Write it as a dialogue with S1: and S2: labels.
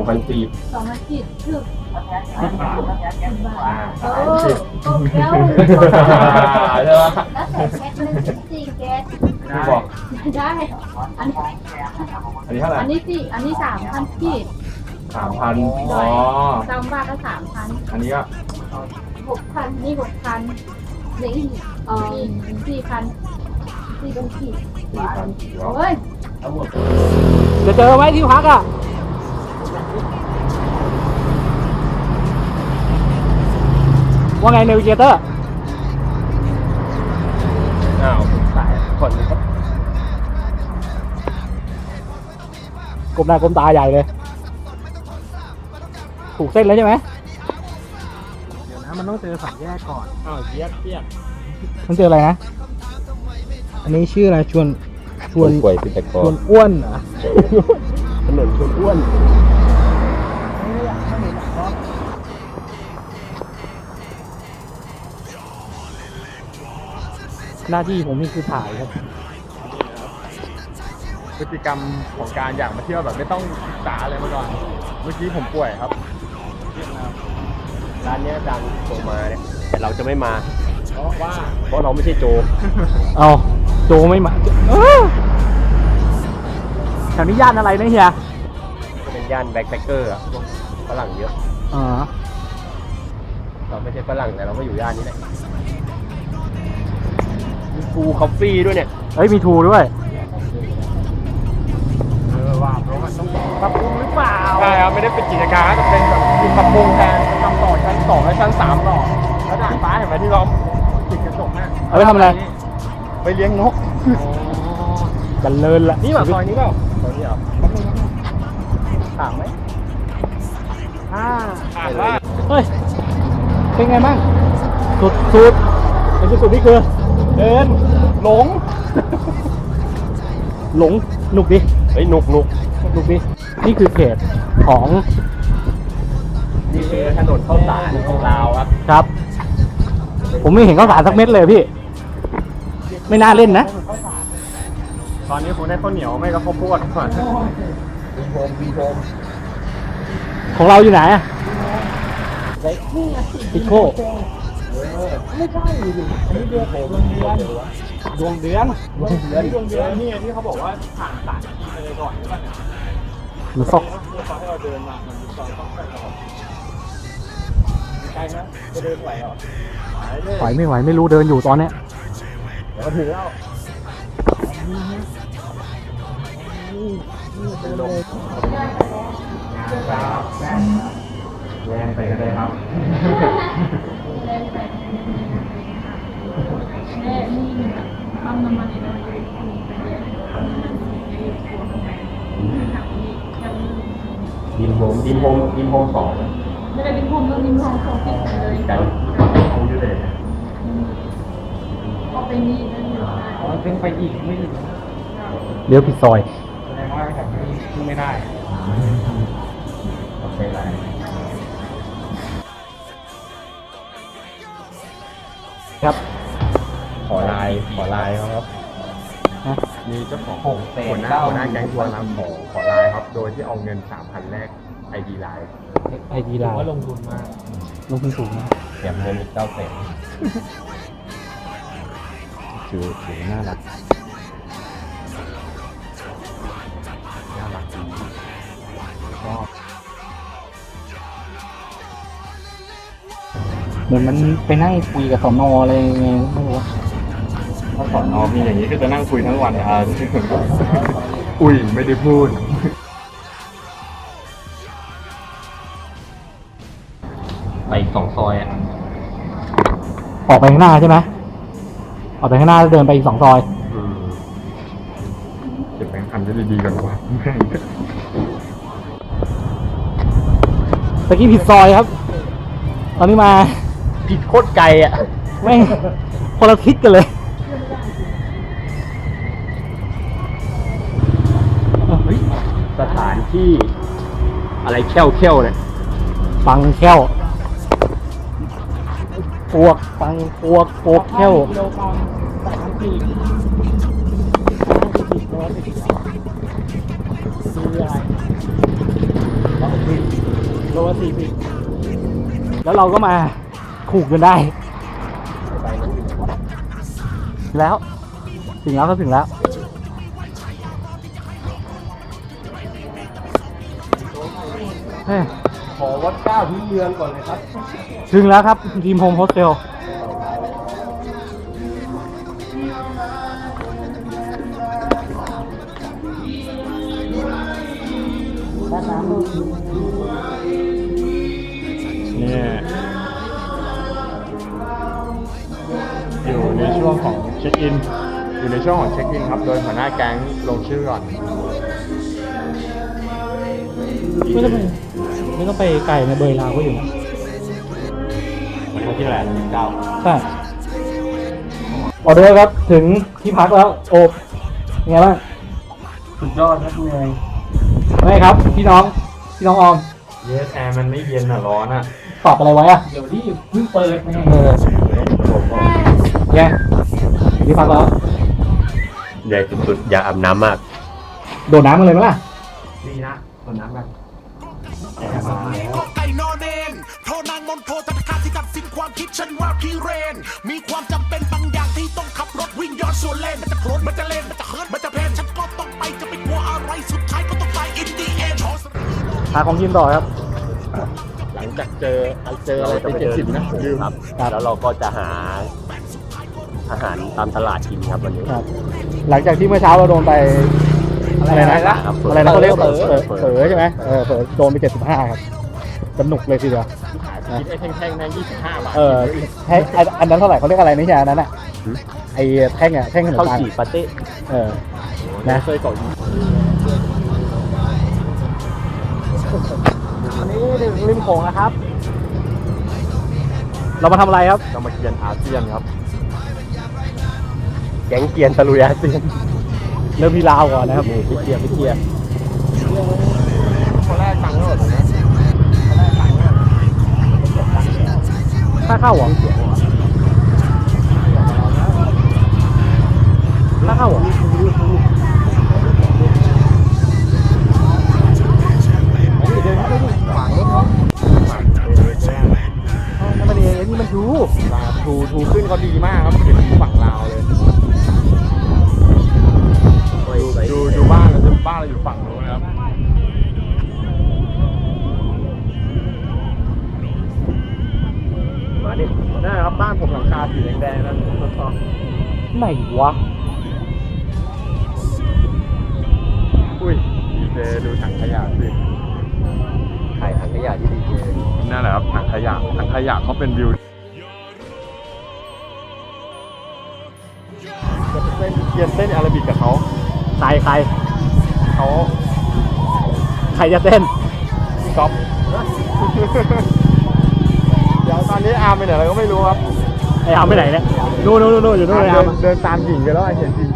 S1: 2,000 ปี
S2: 2,000 กีบถึก
S1: 10 บาท
S2: โอ้โอเคแล้ว
S1: ใช่ไหม
S2: แล้วใส่แก๊สนึง4แก๊ส
S1: พี่บอก
S2: ได้อันนี้
S1: อันนี้เท่าไหร่
S2: อันนี้ 3,000 กีบ
S1: 3,000 อ๋อ
S2: 3 บาทก็ 3,000
S1: อันนี้ก็
S2: 6,000นี่ 6,000นี่4,000 4,000 กีบ
S1: 4,000
S2: โอ้ย
S1: ทั้งหมด
S3: จะเจอไหมที่พักอ่ะว่าไงเนวิเกเตอร์
S1: อ้าวสายคนนี้ก็
S3: กลมหน้ากลมตาใหญ่เลย ถูกเส้นแล้วใช่ไหม
S4: เดี๋ยวนะมันต้องเจอสามแยกก่อน
S1: อ้าวเจี๊ยบ
S3: มันเจออะไรนะ
S4: อันนี้ชื่ออะไรชวน
S1: ป่วยเป็นตะก
S4: ช
S1: อ
S4: วน นอ้วนเหรอ
S1: ถนนชวนอ้วน
S3: หน้าที่ผมนี่คือถ่ายครับ
S1: พฤติกรรมของการอยากมาเที่ยวแบบไม่ต้องศึกษาอะไรมาก่อน เมื่อกี้ผมป่วยครับร้านนี้อาจารย์ส่งมาเนี่ยแต่เราจะไม่มาเพราะเราไม่ใช่โจ
S3: เอาโจไม่มาแถวนี้ย่านอะไรนะเฮีย
S1: จะเป็นย่านแบ็คแพคเกอร์อะพวกฝรั่งเยอะ
S3: อ๋อ
S1: เราไม่ใช่ฝรั่งแต่เราก็อยู่ย่านนี้แหละมีฟูคอฟฟี่ด้วยเนี่ย
S3: เอ้ยมีทูด้วย
S1: ว่าเพราะมันต้องปรับปรุงหรือเปล่าใช่ครับไม่ได้เป็นกิจการแต่เป็นแบบปรับปรุงแทนทำต่อชั้น2และชั้น3ต่อแล้วด่านฟ้าเห็นไหมที่เราติดกระจกน่ะ
S3: เอาไปทำอะไร
S1: ไปเลี้ยงนก
S3: จันเลินละ
S1: นี่แบบซอยนี้เปล่าซอยนี้เหรอถามไหมถามว่า
S3: เฮ้ย เป็นไงบ้างสุดไอ้สุดนี่คือ เดิน หลง หลงหนุกดิ
S1: เฮ้ยหนุก
S3: หนุกดิ นี่คือเขตของ
S1: นี่คือถนนข้าวสารของเราครับ
S3: ครับ ผมไม่เห็นข้าวสารสักเม็ดเลยพี่ ไม่น่าเล่นนะ
S1: ตอนนี้คงได้ข้าวเหนียวไม่ก็ข้าวโพดก่อนมีโฮม
S3: ของเราอยู่ไหนอะพิโก้
S4: ไม่ใช่ดิอันนี้เดือนดวงเดือน
S1: ดวงเดือนนี่ที่เขาบอกว่าผ่านสารไปเลยก่อนใช่ป่ะเนี่ย
S3: หรือซอก
S1: ตอนที่เราเดินมามันมีซอยต้องไปก่อนไกลนะจะเดินไหวเหรอ
S3: ไหวไม่ไหวไม่รู้เดินอยู่ตอนเนี้ย
S1: เดี๋ยวก็ถึงแล้วเป็นลมแย่งไปก็ได้ครับ
S2: ปั๊มน้ำมันนี่นะ
S1: ดินโฮม2
S2: ไม่ได้เป็นโฮมต้องมีโฮมของติดกันเลย
S1: ไกลโฮมอยู่เลย
S2: ออกไปนี่นั่นอยู่
S4: อ๋อซึ่งไปอีกไม่ถึง
S3: เลี้ยวผิดซอย
S4: แสดงว่าจากนี้ขึ้นไม่ได้
S1: โอเคไร
S3: ครับ
S1: ขอไลน์ครับ
S3: ฮะ
S1: มีเจ้าของหัวหน้าแก๊งทัวร์นำขอไลน์ครับ โดยที่เอาเงิน 3,000 แรก ID ไลน์
S3: ไอดีไลน์
S4: ว่าลงทุนมาก
S3: ลงทุนสูงนะ
S1: แถมเงินอีก 900,000
S3: ถือน่ารัก
S1: น่ารักดีชอบ
S3: เหมือนมันไปนั่งคุยกับสนอะไรไงไม่รู้
S1: ถ้าสอนน้องมีอย่างนี้ก็จะนั่งคุยทั้งวันอ่ะอุ้ยไม่ได้พูด ไปอีก2 ซอยอ่ะ
S3: ออกไปข้างหน้าใช่ไหมออกไปข้างหน้าแล้วเดินไปอีก2 ซอย
S1: เก็บแบงค์พันได้ดีๆกันวะ
S3: ตะกี้ผิดซอยครับ ตอนนี้มา
S1: ผิดโคตรไกลอ่ะ
S3: ไม่งคนละทิศกันเลย
S1: สถานที่อะไรแค่วเนี่ย
S3: ฟังแค้วปวกฟังปวกโปกแค้ว
S4: กิโลกรัม30คืออะไร
S3: แล้วเราก็มาขู่กันได้
S4: ไปนั้นอยู่ไหนวะ
S3: แล้วถึงแล้วครับถึงแล้วเฮ้ย
S4: ขอวัดก้าวพื้นเมืองก่อนเลยครับ
S3: ถึงแล้วครับทีมโฮมโฮสเทล
S1: นี่อยู่ในช่วงของเช็คอิน อยู่ในช่วงของเช็คอินครับ โดยหัวหน้าแก๊งลงชื่อก่อน
S3: ไม่ต้องไปไกลในเบยลาวก็อยู่นะ
S1: วันที่เท่าไหร่19
S3: ใช่ออเดอร์ครับถึงที่พักแล้วโอบเป็นไงบ้าง
S4: สุดยอดครับเหนื่อย
S3: ไม่ครับพี่น้องออม
S1: เยสแอร์มันไม่เย็นอ่ะร้อนอ่ะ
S3: ปรับอะไรไว้อะ
S4: เดี๋ยวนี้เพิ่งเปิดไง
S3: แย่ที่พักแล้ว
S5: ใหญ่สุดๆอย่าอาบน้ำมาก
S3: โดดน้ำกันเลยไหมล่ะ
S1: ดีนะต้นน้ำกัน
S6: ไก่นอนเนนโทรนางมนโทรธนาคารที่ตัดสินความคิดฉันว่าพี่เรน มีความจำเป็นบางอย่างที่ต้องขับรถวิ่งย้อนสวนเลน มันจะโคลนมันจะเลนมันจะเฮิร์ตมันจะเพลนฉันก็ต้องไปจะไปกลัวอะไรสุดท้ายก็ต้องไปอินดีเอ็น
S3: หาของกินต่อครับ
S1: หลังจากเจออะไรไป70นะลืม
S5: ครับ แล้วเราก็จะหาอาหารตามตลาดกินครับวันนี้
S3: ครับ หลังจากที่เมื่อเช้าเราโดนไปอะไรนะ
S5: ครับ
S3: อะไรนะเขาเรียกเผลอใช่ไหมเผลอโดนไป75ครับสนุกเลยทีเดียว
S1: คิดไอ้แท่งๆนั้น25 บาท
S3: แท่งอันนั้นเท่าไหร่เขาเรียกอะไรไม่ใช่อันนั้นอ่ะไอ้แท่งขนม
S5: ข้าว
S3: ปัง
S5: จี่ปาเต้
S3: นะ
S1: เคยก่อน
S3: อันนี้ริมโขงนะครับ เรามาทำอะไรครับ
S1: เรามาเกียนอาเซียนครับ
S5: แก๊งเกียนตะลุยอาเซียน
S3: เริ่มที่ลาวก่อนนะครับ
S5: พี่เกียร์
S1: คนแรกตังค์เท่าไหร่ตรงนี้
S3: ค่าเข้าเหรอค่าเข้าเหรอนั่นมันเองนี่มันดู
S1: ถูขึ้นเขาดีมากครับเป็นฝั่งลาวเลยดูบ้านเราอยู่ฝั่งนู้นนะครับมาดินั่นนะครับบ้านผมหลังคาสีแดงๆนั่น
S3: ไหนวะ
S1: อุ้ยดีเจดูถังขยะสิ
S5: ถ่ายถังขยะที่ดีเจ
S1: นั่นแหละครับถังขยะเขาเป็นวิวจะเป็นเกียนเต้นอาราบิกกับเขา
S3: ใคร
S1: เขา
S3: ใครจะเต้น
S1: พี่ก๊อฟ เดี๋ยวตอนนี้อาร์มไปไหนเราก็ไม่รู้ครับ
S3: ไอ้อาร์มไปไหนเนี่ยนู่นอยู่นู่นเลยอาร์ม
S1: เดินตามหญิงกันแล้วเห็นหญิง